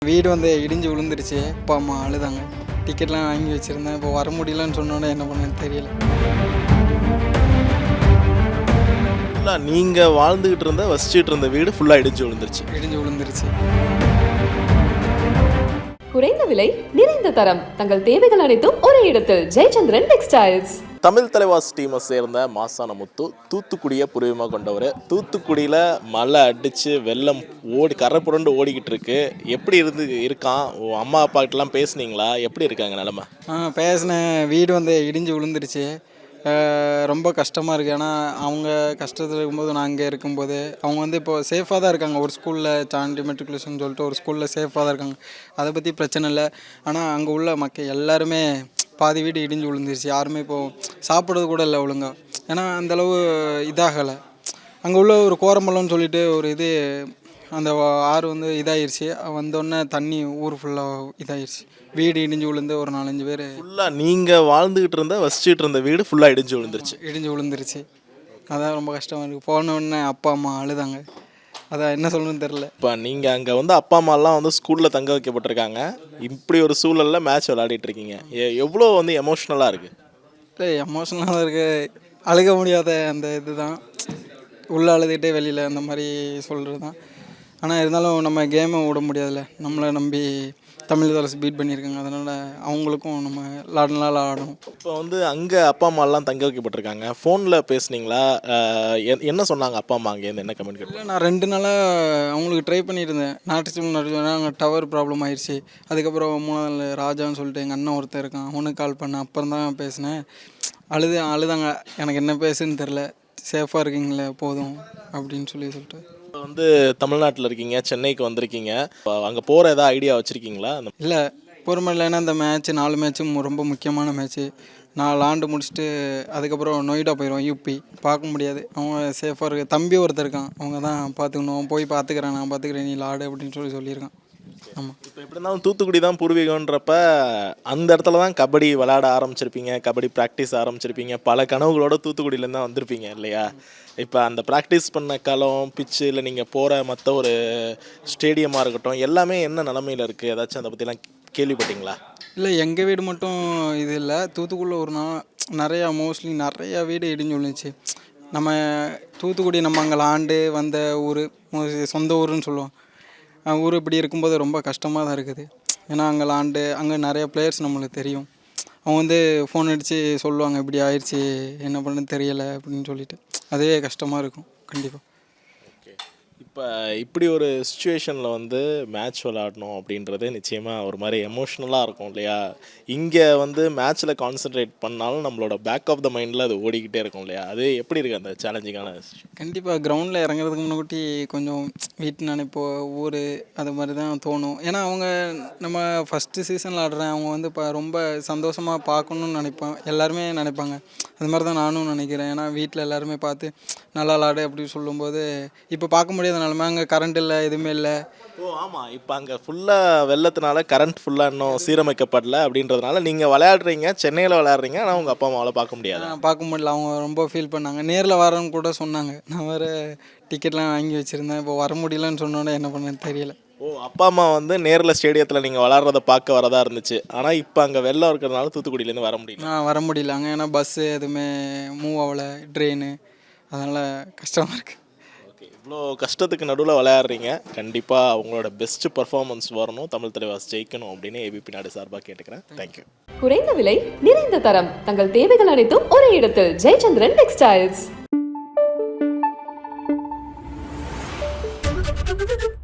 வீடு வந்து இடிஞ்சு விழுந்துருச்சு. அப்பா அம்மா அழுதாங்க. டிக்கெட்லாம் வாங்கி வச்சுருந்தேன். இப்போ வர முடியலன்னு சொன்னோன்னே என்ன பண்ணேன்னு தெரியல. நீங்கள் வாழ்ந்துகிட்டு இருந்த வசிச்சுட்டு இருந்த வீடு ஃபுல்லாக இடிஞ்சு விழுந்துருச்சு. குறைந்த விலை, நிறைந்த தரம், தங்கள் தேவைகள் அனைத்தும் ஒரே இடத்தில். ஜெயச்சந்திரன் டெக்ஸ்டைல்ஸ். தமிழ் தலைவாஸ் டீமை சேர்ந்த மாசான முத்து தூத்துக்குடியை பூர்வீகமாக கொண்டவர். தூத்துக்குடியில் மழை அடித்து வெள்ளம் கரை புரண்டு ஓடிக்கிட்டு இருக்கு. எப்படி இருக்கான்? அம்மா அப்பாக்கிட்டலாம் பேசுனீங்களா? எப்படி இருக்காங்க நிலமை? பேசினேன். வீடு வந்து இடிஞ்சு விழுந்துருச்சு. ரொம்ப கஷ்டமாக இருக்குது. ஏன்னா அவங்க கஷ்டத்தில் இருக்கும்போது நான் அங்கே இருக்கும்போது அவங்க வந்து இப்போது சேஃபாக தான் இருக்காங்க. ஒரு ஸ்கூலில் சாண்டி மெட்ரிகுலேஷன் சொல்லிட்டு ஒரு ஸ்கூலில் சேஃபாக தான் இருக்காங்க. அதை பற்றி பிரச்சனை இல்லை. ஆனால் அங்கே உள்ள மக்கள் எல்லாருமே பாதி வீடு இடிஞ்சு விழுந்துருச்சு. யாருமே இப்போது சாப்பிட்றது கூட இல்லை ஒழுங்காக. ஏன்னா அந்தளவு இதாகலை. அங்கே உள்ள ஒரு கோரம்பலம்னு சொல்லிட்டு ஒரு இது அந்த ஆறு வந்து இதாகிருச்சு. வந்தோடனே தண்ணி ஊர் ஃபுல்லாக இதாகிருச்சு. வீடு இடிஞ்சு விழுந்து ஒரு 4-5 பேர் ஃபுல்லாக நீங்கள் வாழ்ந்துக்கிட்டு இருந்த வசிச்சுட்டு இருந்த வீடு ஃபுல்லாக இடிஞ்சு விழுந்துருச்சு. அதான் ரொம்ப கஷ்டமாக இருக்குது. போன உடனே அப்பா அம்மா அழுதாங்க. அதான் என்ன சொல்லணும்னு தெரில. இப்போ நீங்கள் அங்கே வந்து அப்பா அம்மாலாம் வந்து ஸ்கூலில் தங்க வைக்கப்பட்டிருக்காங்க. இப்படி ஒரு சூழலில் மேட்ச் விளையாடிட்டு இருக்கீங்க. எவ்வளோ வந்து எமோஷ்னலாக இருக்குது? இல்லை, எமோஷ்னலாக தான் இருக்குது. அழுக முடியாத அந்த இது தான். உள்ளே அழுதுகிட்டே வெளியில் அந்த மாதிரி சொல்கிறது தான். ஆனால் இருந்தாலும் நம்ம கேமை விட முடியாதுல்ல. நம்மளை நம்பி தமிழ் தலைசு பீட் பண்ணியிருக்காங்க. அதனால் அவங்களுக்கும் நம்ம நல்லா ஆடணும். இப்போ வந்து அங்கே அப்பா அம்மாலாம் தங்க வைக்கப்பட்டிருக்காங்க. ஃபோனில் பேசுனீங்களா? என்ன சொன்னாங்க அப்பா அம்மா? அங்கேருந்து என்ன கமெண்ட் கேட்டு? இல்லை, நான் 2 நாளாக அவங்களுக்கு ட்ரை பண்ணியிருந்தேன். நாட்டு சிம் அங்கே டவர் ப்ராப்ளம் ஆயிடுச்சு. அதுக்கப்புறம் 3ஆவது நாள் ராஜான்னு சொல்லிட்டு எங்கள் அண்ணன் ஒருத்தர் இருக்கான். அவனுக்கு கால் பண்ணேன். அப்புறம் தான் பேசினேன். அழுதாங்க. எனக்கு என்ன பேசுன்னு தெரில. சேஃபாக இருக்கீங்களே போதும் அப்படின்னு சொல்லிட்டு. இப்போ வந்து தமிழ்நாட்டில் இருக்கீங்க, சென்னைக்கு வந்திருக்கீங்க. அங்கே போகிற ஏதாவது ஐடியா வச்சுருக்கீங்களா? இல்லை, பொறுமை இல்லை. ஏன்னா இந்த மேட்ச்சு 4 மேட்ச்சும் ரொம்ப முக்கியமான மேட்ச்சு. 4 ஆண்டு முடிச்சுட்டு அதுக்கப்புறம் நொய்டா போயிடுவோம். யூபி பார்க்க முடியாது. அவங்க சேஃபாக இருக்க தம்பி ஒருத்தர் இருக்கான். அவங்க தான் பார்த்துக்கணும். போய் பார்த்துக்கிறேன், நான் பார்த்துக்கிறேன், நீ ஆடு அப்படின்னு சொல்லியிருக்கான். ஆமாம். இப்போ எப்படி இருந்தாலும் தூத்துக்குடி தான் பூர்வீகன்றப்ப அந்த இடத்துல தான் கபடி விளையாட ஆரம்பிச்சிருப்பீங்க, கபடி ப்ராக்டிஸ் ஆரம்பிச்சிருப்பீங்க. பல கனவுகளோட தூத்துக்குடியிலேருந்து தான் வந்திருப்பீங்க இல்லையா? இப்போ அந்த ப்ராக்டிஸ் பண்ண களம், பிச்சு, இல்லை நீங்கள் போகிற மற்ற ஒரு ஸ்டேடியமாக இருக்கட்டும், எல்லாமே என்ன நிலமையில் இருக்குது? ஏதாச்சும் அதை பற்றிலாம் கேள்விப்பட்டீங்களா? இல்லை, எங்கள் வீடு மட்டும் இது இல்லை. தூத்துக்குடியில் ஒரு நாள் மோஸ்ட்லி நிறையா வீடு இடிஞ்சு விழுந்துச்சு. நம்ம தூத்துக்குடி நம்ம அங்கே ஆண்டு வந்த ஊர், சொந்த ஊருன்னு சொல்லுவோம். ஊர் இப்படி இருக்கும்போது ரொம்ப கஷ்டமாக தான் இருக்குது. ஏன்னா அங்கே நிறைய பிளேயர்ஸ் நம்மளுக்கு தெரியும். அவங்க வந்து ஃபோன் அடித்து சொல்லுவாங்க, இப்படி ஆயிடுச்சு, என்ன பண்ணுன்னு தெரியலை அப்படின்னு சொல்லிட்டு. அதுவே கஷ்டமாக இருக்கும் கண்டிப்பாக. இப்போ இப்படி ஒரு சுச்சுவேஷனில் வந்து மேட்ச் விளையாடணும் அப்படின்றது நிச்சயமாக ஒரு மாதிரி எமோஷ்னலாக இருக்கும் இல்லையா? இங்கே வந்து மேட்ச்சில் கான்சன்ட்ரேட் பண்ணாலும் நம்மளோட பேக் ஆஃப் த மைண்டில் அது ஓடிக்கிட்டே இருக்கும் இல்லையா? அது எப்படி இருக்குது அந்த சேலஞ்சிங்கான? கண்டிப்பாக கிரவுண்டில் இறங்குறதுக்கு முன்னாடி கொஞ்சம் வீட்டு நினைப்போ ஊர் அது மாதிரி தான் தோணும். ஏன்னா அவங்க நம்ம ஃபஸ்ட்டு சீசனில் ஆடுறேன், அவங்க வந்து இப்போ ரொம்ப சந்தோஷமாக பார்க்கணுன்னு நினைப்போம். எல்லாருமே நினைப்பாங்க. அது மாதிரி தான் நானும் நினைக்கிறேன். ஏன்னா வீட்டில் எல்லாருமே பார்த்து நல்லா விளாடு அப்படின்னு சொல்லும்போது இப்போ பார்க்க முடியாத நிலமை. அங்கே கரண்ட் இல்லை, எதுவுமே இல்லை. ஆமாம். இப்போ அங்கே ஃபுல்லாக வெள்ளத்தினால கரண்ட் ஃபுல்லாக இன்னும் சீரமைக்கப்படல அப்படின்றதுனால நீங்கள் விளையாடுறீங்க, சென்னையில் விளையாடுறீங்க. ஆனால் உங்கள் அப்பா அம்மாவால் பார்க்க முடியாது. பார்க்க முடியல. அவங்க ரொம்ப ஃபீல் பண்ணாங்க. நேரில் வரேன்னு கூட சொன்னாங்க. நான் வேறு டிக்கெட்லாம் வாங்கி வச்சுருந்தேன். இப்போ வர முடியலன்னு சொன்னோன்னே என்ன பண்ணேன்னு தெரியல. அப்பா அம்மா வந்து நேரில் ஸ்டேடியத்தில் நீங்கள் விளாட்றத பார்க்க வரதா இருந்துச்சு. ஆனால் இப்போ அங்கே வெள்ளம் இருக்கிறதுனால தூத்துக்குடியிலேருந்து வர முடியல. வர முடியல. அங்கே ஏன்னா பஸ்ஸு எதுவுமே மூவ் ஆகலை, ட்ரெயின். அதனால் கஷ்டமாக இருக்குது. ஓகே, இவ்வளோ கஷ்டத்துக்கு நடுவில் விளையாடுறீங்க. கண்டிப்பாக அவங்களோட பெஸ்ட் பர்ஃபார்மன்ஸ் வரணும், தமிழ் தலைவாஸ் ஜெயிக்கணும் அப்படின்னு ஏபிபி நாடு சார்பாக கேட்டுக்கிறேன். தேங்க்யூ. குறைந்த விலை, நிறைந்த தரம், தங்கள் தேவைகள் அனைத்தும் ஒரே இடத்தில். ஜெயச்சந்திரன் டெக்ஸ்டைல்ஸ்.